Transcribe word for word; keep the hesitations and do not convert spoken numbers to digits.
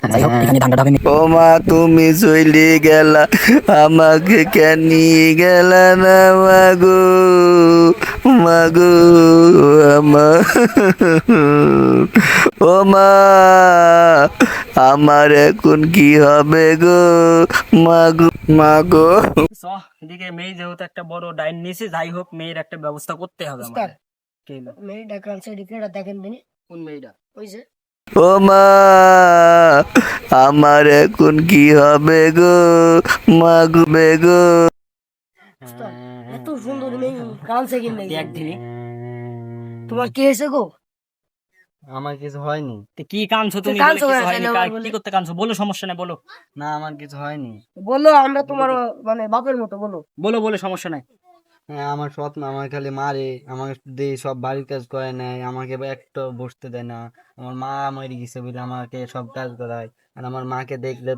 যাই হোক এখানে ধান্দাটা হবে। ও মা তুমি চলে গেলা, আমাকে কেন নিয়ে গেলা না মাগো, মাগো আমার, ও মা আমার এখন কি হবে গো, মাগো মাগো। চ এদিকে মেয়ে যেহেতু একটা বড় ডাইন নিয়েছে, যাই হোক মেয়ের একটা ব্যবস্থা করতে হবে আমাদের। কি হলো? মেয়েটা কালচার ডিক্লেয়ার দেখেন দিনে কোন মেয়েটা? ওই যে ও মা আমার এখন কি হবে গো, মাগো বেগো। উস্তাদ, এত সুন্দর মেয়ে কালচার কিনে দেখ দিনি। তোমার কি হয়েছে গো? আমার কিছু হয়নি। তো কি কাঁদছো তুমি? বলে কাঁদছো কিছু কেন? হয়নি, তাহলে কা- আবার বলে- কি করতে কাঁদছো বলো, সমস্যা নেই বলো। না আমার কিছু হয়নি। বলো আমরা তোমার মানে বাপের মতো বলো। বলো বলো সমস্যা নাই। হ্যাঁ আমার সৎ মা আমার খালি মারে, আমাকে দিয়ে সব বাড়ির কাজ করে নেয়, আমাকে একটা বসতে দেয় না। আমার মা মরে গেছে বলে আমাকে সব কাজ করায়, আর আমার মাকে দেখলে